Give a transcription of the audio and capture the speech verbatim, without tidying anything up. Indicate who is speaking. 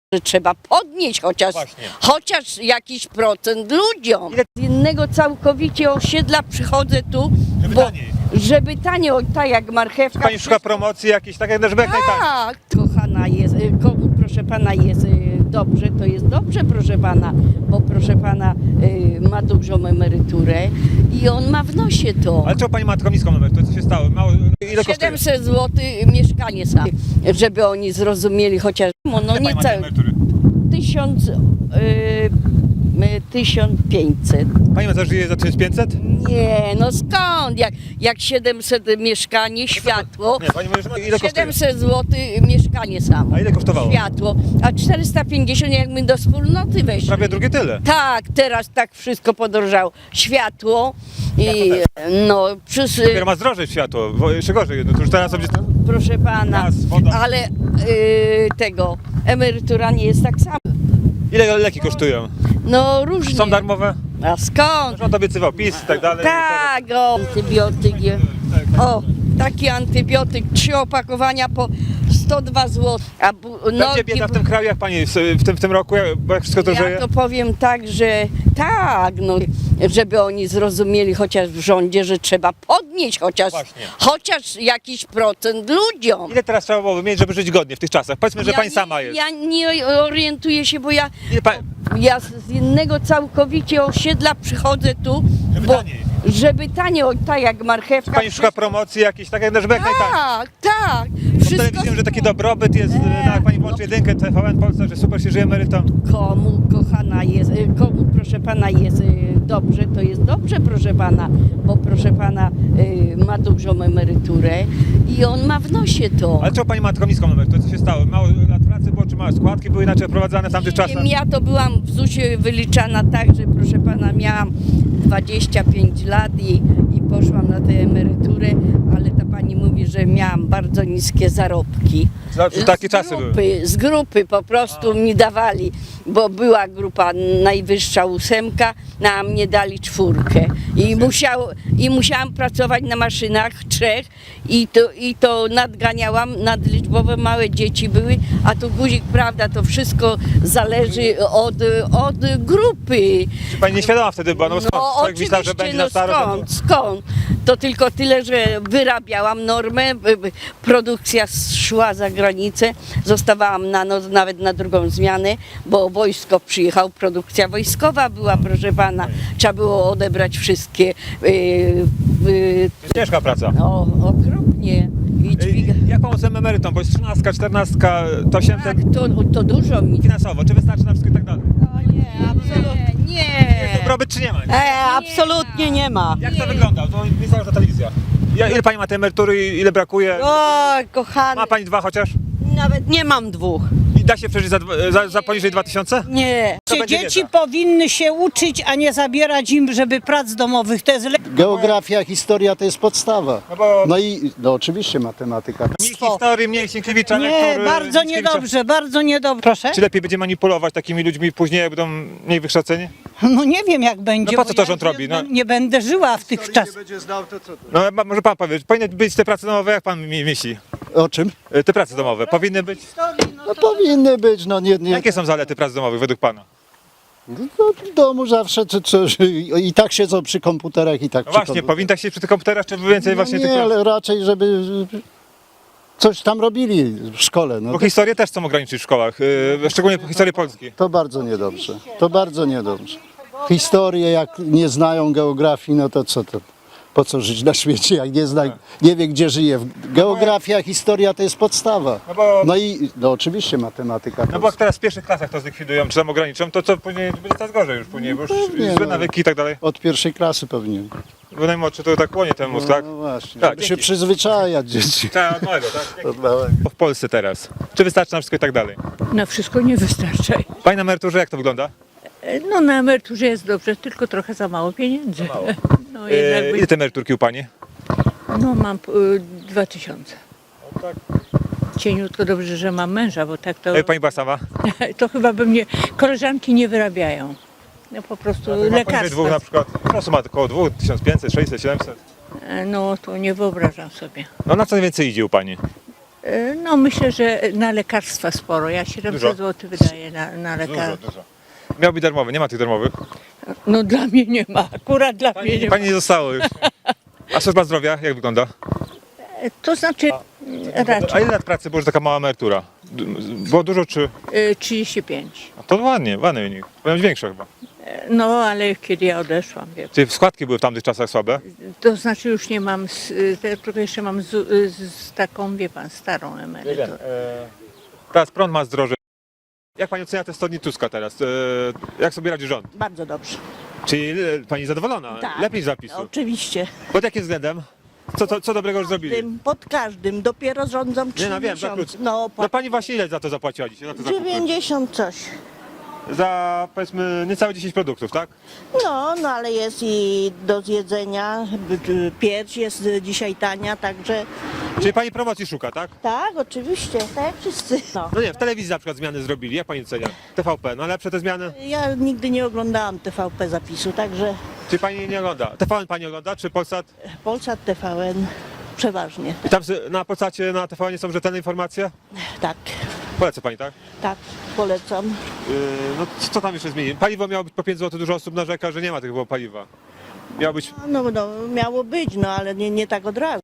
Speaker 1: że trzeba podnieść chociaż, chociaż jakiś procent ludziom. Z innego całkowicie osiedla przychodzę tu,
Speaker 2: Żeby
Speaker 1: bo,
Speaker 2: taniej.
Speaker 1: żeby taniej, o, tak jak marchewka.
Speaker 2: Pani szuka promocji jakiejś, tak jak żeby jak najtaniej.
Speaker 1: Tak, kochana jest, y, komu proszę pana jest y, dobrze, to jest dobrze proszę pana, bo proszę pana y, ma dużą emeryturę i on ma w nosie to.
Speaker 2: Ale czemu pani ma taką niską emeryturę? Co się stało? Mało, ile kosztuje?
Speaker 1: siedemset złotych mieszkanie sam, żeby oni zrozumieli chociaż, no
Speaker 2: Ile
Speaker 1: nie
Speaker 2: pani ma tej
Speaker 1: całe,
Speaker 2: emerytury?
Speaker 1: tysiąc, y, y, tysiąc pięćset.
Speaker 2: Pani ma żyje za tysiąc pięćset?
Speaker 1: Nie, no skąd, jak, jak siedemset mieszkanie, światło,
Speaker 2: Nie, pani mówi, że ma- ile kosztuje?
Speaker 1: siedemset złotych mieszkanie samo.
Speaker 2: A ile kosztowało?
Speaker 1: Światło, a czterysta pięćdziesiąt jakby do wspólnoty weszli.
Speaker 2: Prawie drugie tyle.
Speaker 1: Tak, teraz tak wszystko podrożało. Światło i no przez...
Speaker 2: Dopiero ma zdrożeć światło, bo jeszcze gorzej. No to już teraz sobie...
Speaker 1: Proszę pana,
Speaker 2: Gaz, woda.
Speaker 1: ale y, tego, emerytura nie jest tak sama.
Speaker 2: Ile leki kosztują?
Speaker 1: No różnie.
Speaker 2: Są darmowe?
Speaker 1: A skąd?
Speaker 2: Rząd obiecywał PiS i tak dalej.
Speaker 1: Tak, o, antybiotyk. je- O, taki antybiotyk, trzy opakowania po sto dwa złote. A bu-
Speaker 2: Będzie
Speaker 1: nogi-
Speaker 2: bieda w tym kraju, jak pani w tym, w tym roku, jak- bo jak wszystko to
Speaker 1: Ja
Speaker 2: żyje?
Speaker 1: to powiem tak, że tak, no, żeby oni zrozumieli chociaż w rządzie, że trzeba podnieść chociaż,
Speaker 2: Właśnie.
Speaker 1: chociaż jakiś procent ludziom.
Speaker 2: Ile teraz trzeba było mieć, żeby żyć godnie w tych czasach? Powiedzmy, że
Speaker 1: Ja
Speaker 2: pani
Speaker 1: nie-
Speaker 2: sama jest.
Speaker 1: Ja nie orientuję się, bo ja,
Speaker 2: Ile pa...
Speaker 1: ja z innego całkowicie osiedla przychodzę tu,
Speaker 2: Żeby
Speaker 1: bo,
Speaker 2: taniej.
Speaker 1: żeby taniej, o, tak jak marchewka.
Speaker 2: Pani szuka promocji jakiejś, tak jak żeby jak najtaniej.
Speaker 1: Tak, tak.
Speaker 2: Bo w telewizji, że taki dobrobyt jest,
Speaker 1: Eee,
Speaker 2: no, jak pani włączy jedynkę, T V N Polska, że super się żyje emerytom.
Speaker 1: Komu, kochana jest, y, komu proszę pana jest y, dobrze, to jest dobrze proszę pana, bo proszę pana y, ma dużą emeryturę i on ma w nosie to.
Speaker 2: Ale czemu pani ma taką niską emeryturę? Co się stało? Mało lat pracy było, czy małe składki były inaczej prowadzane w tamtych
Speaker 1: Nie
Speaker 2: czasach?
Speaker 1: wiem, ja to byłam w zusie wyliczana tak, że proszę pana miałam dwadzieścia pięć lat i, i poszłam na tę emeryturę, ale ta pani mówi, że miałam bardzo niskie zarobki.
Speaker 2: Znaczy, takie
Speaker 1: z
Speaker 2: czasy
Speaker 1: grupy,
Speaker 2: były.
Speaker 1: Z grupy po prostu mi dawali, bo była grupa najwyższa ósemka, no, a mnie dali czwórkę. I, musiał, I musiałam pracować na maszynach trzech i to, i to nadganiałam, nadliczbowe małe dzieci były, a tu guzik, prawda, to wszystko zależy od, od grupy.
Speaker 2: Czy pani nieświadoma wtedy była? No, bo skąd?
Speaker 1: No
Speaker 2: Człowiek myślał, że
Speaker 1: oczywiście,
Speaker 2: będzie
Speaker 1: no
Speaker 2: na staro.
Speaker 1: skąd, skąd? To tylko tyle, że wyrabiałam normę, b- b- produkcja szła za granicę, zostawałam na noc, nawet na drugą zmianę, bo wojsko przyjechał, produkcja wojskowa była, proszę pana, trzeba było odebrać wszystkie, yy, yy,
Speaker 2: Ciężka praca.
Speaker 1: o, okropnie. I dźwiga...
Speaker 2: Ej, Jak pomóc tym emerytom? Bo jest trzynastka, czternastka, to osiemset
Speaker 1: Tak, to, to dużo mi.
Speaker 2: finansowo. Czy wystarczy na wszystko i tak dalej?
Speaker 1: Nie, absolutnie. Nie.
Speaker 2: Dobrobyt czy nie ma?
Speaker 3: E, absolutnie nie ma.
Speaker 2: Jak to wygląda? To nie cała ta telewizja. Ja, ile pani ma tej emerytury i ile brakuje?
Speaker 3: O, kochany,
Speaker 2: Ma pani dwa chociaż?
Speaker 3: nawet nie mam dwóch.
Speaker 2: I da się przeżyć za, dwa- za, za poniżej dwa tysiące?
Speaker 3: Nie.
Speaker 2: To będzie
Speaker 4: Dzieci
Speaker 2: wiedza.
Speaker 4: powinny się uczyć, a nie zabierać im, żeby prac domowych. To jest le-
Speaker 5: Geografia, historia to jest podstawa.
Speaker 2: No bo
Speaker 5: No i no oczywiście matematyka.
Speaker 2: mniej historii, mniej Sienkiewicza,
Speaker 4: Nie,
Speaker 2: lektury,
Speaker 4: bardzo
Speaker 2: Mickiewicza.
Speaker 4: niedobrze, bardzo niedobrze. Proszę?
Speaker 2: Czy lepiej będzie manipulować takimi ludźmi później, jak będą mniej wykształceni?
Speaker 4: No nie wiem jak będzie.
Speaker 2: No po co
Speaker 4: bo
Speaker 2: to
Speaker 4: ja
Speaker 2: rząd robi, no?
Speaker 4: Nie będę żyła w tych czasach.
Speaker 2: No ma- może pan powie, powinny być te prace domowe, jak pan mi myśli?
Speaker 5: O czym?
Speaker 2: E, Te prace domowe powinny być?
Speaker 5: No powinny być, no nie, nie.
Speaker 2: Jakie są zalety prac domowych według pana?
Speaker 5: No, w domu zawsze czy, czy, i tak siedzą przy komputerach i tak
Speaker 2: No
Speaker 5: przy
Speaker 2: właśnie,
Speaker 5: komputerach.
Speaker 2: powinien tak się przy tych komputerach, czy więcej
Speaker 5: No
Speaker 2: właśnie tych
Speaker 5: nie,
Speaker 2: prac?
Speaker 5: ale raczej żeby coś tam robili w szkole. No
Speaker 2: Bo
Speaker 5: to,
Speaker 2: historię też chcą ograniczyć w szkołach, e, szczególnie historię Polski.
Speaker 5: to bardzo niedobrze. To bardzo niedobrze. Historię jak nie znają geografii, no to co to? Po co żyć na świecie, jak nie zna, nie wie gdzie żyje. Geografia, historia to jest podstawa.
Speaker 2: No bo,
Speaker 5: No i no oczywiście matematyka. to
Speaker 2: no bo jak teraz w pierwszych klasach to zlikwidują, czy tam ograniczą, to co później będzie coraz gorzej już później, bo już
Speaker 5: pewnie,
Speaker 2: złe
Speaker 5: no.
Speaker 2: nawyki i tak dalej.
Speaker 5: Od pierwszej klasy powinien.
Speaker 2: Bo najmłodszy to tak kłonie ten mózg, tak?
Speaker 5: No właśnie,
Speaker 2: Tak,
Speaker 5: żeby się
Speaker 2: dzięki.
Speaker 5: przyzwyczajać dzieci.
Speaker 2: Tak, od małego, tak?
Speaker 5: Od małego.
Speaker 2: W Polsce teraz. Czy wystarczy na wszystko i tak dalej?
Speaker 6: Na wszystko nie wystarcza.
Speaker 2: Pani na emeryturze jak to wygląda?
Speaker 6: No na emeryturze jest dobrze, tylko trochę za mało pieniędzy. No
Speaker 2: E,
Speaker 6: jednak
Speaker 2: ile te emeryturki u pani?
Speaker 6: no mam y, dwa tysiące.
Speaker 2: tak.
Speaker 6: Cieniutko dobrze, że mam męża, bo tak to,
Speaker 2: E, pani była sama?
Speaker 6: to chyba by mnie, koleżanki nie wyrabiają. No po prostu
Speaker 2: Ma poniżej
Speaker 6: lekarstwa.
Speaker 2: dwóch na przykład. No ma około dwóch, tysiąc pięćset, sześćset, siedemset.
Speaker 6: E, No to nie wyobrażam sobie.
Speaker 2: No na co najwięcej idzie u pani?
Speaker 6: E, No myślę, że na lekarstwa sporo. Ja
Speaker 2: Dużo?
Speaker 6: siedemset złotych wydaję na, na
Speaker 2: Dużo,
Speaker 6: lekarstwa.
Speaker 2: dużo. Miał być darmowy, nie ma tych darmowych.
Speaker 6: No dla mnie nie ma, akurat dla mnie nie ma.
Speaker 2: Pani nie zostało już. A służba zdrowia, jak wygląda?
Speaker 6: E, To znaczy
Speaker 2: A
Speaker 6: raczej
Speaker 2: ile lat pracy było, że taka mała emerytura? D- Było dużo czy...
Speaker 6: e, trzydzieści pięć.
Speaker 2: A to ładnie, ładny wynik. Powinien być większe chyba.
Speaker 6: E, No ale kiedy ja odeszłam, wie
Speaker 2: Czyli składki były w tamtych czasach słabe?
Speaker 6: to znaczy już nie mam, z, e, tylko jeszcze mam z, z, z taką, wie pan, starą emeryturę.
Speaker 2: Teraz prąd ma zdroże. Jak pani ocenia te sto dni Tuska teraz? E, Jak sobie radzi rząd?
Speaker 3: Bardzo dobrze.
Speaker 2: Czyli e, pani zadowolona?
Speaker 3: Tak.
Speaker 2: Lepiej z zapisu.
Speaker 3: Oczywiście.
Speaker 2: Pod jakim względem? Co, co, co dobrego już zrobili?
Speaker 3: Tym, pod każdym. Dopiero rządzą trzy
Speaker 2: Nie no wiem, za
Speaker 3: miesiące.
Speaker 2: krótko.
Speaker 3: No, po
Speaker 2: No pani właśnie ile za to zapłaciła dzisiaj? Za, to zakupy?
Speaker 3: dziewięćdziesiąt coś.
Speaker 2: Za powiedzmy niecałe dziesięć produktów, tak?
Speaker 3: No, no ale jest i do zjedzenia. Pierś jest dzisiaj tania, także
Speaker 2: Czyli pani promocji szuka, tak?
Speaker 3: tak, oczywiście, tak jak wszyscy. No.
Speaker 2: No nie, w telewizji na przykład zmiany zrobili. Jak pani ocenia? T V P, no lepsze te zmiany?
Speaker 3: Ja nigdy nie oglądałam T V P zapisu, także
Speaker 2: Czy pani nie ogląda? T V N pani ogląda, czy Polsat?
Speaker 3: Polsat, T V N przeważnie.
Speaker 2: I tam sy- na Polsacie, na T V N są rzetelne informacje?
Speaker 3: Tak,
Speaker 2: Polecę pani, tak?
Speaker 3: tak, polecam.
Speaker 2: Yy, no co tam jeszcze zmieni? Paliwo miało być po pięć złotych, dużo osób narzeka, że nie ma tego paliwa. Miało być...
Speaker 3: No, no miało być, no ale nie, nie tak od razu.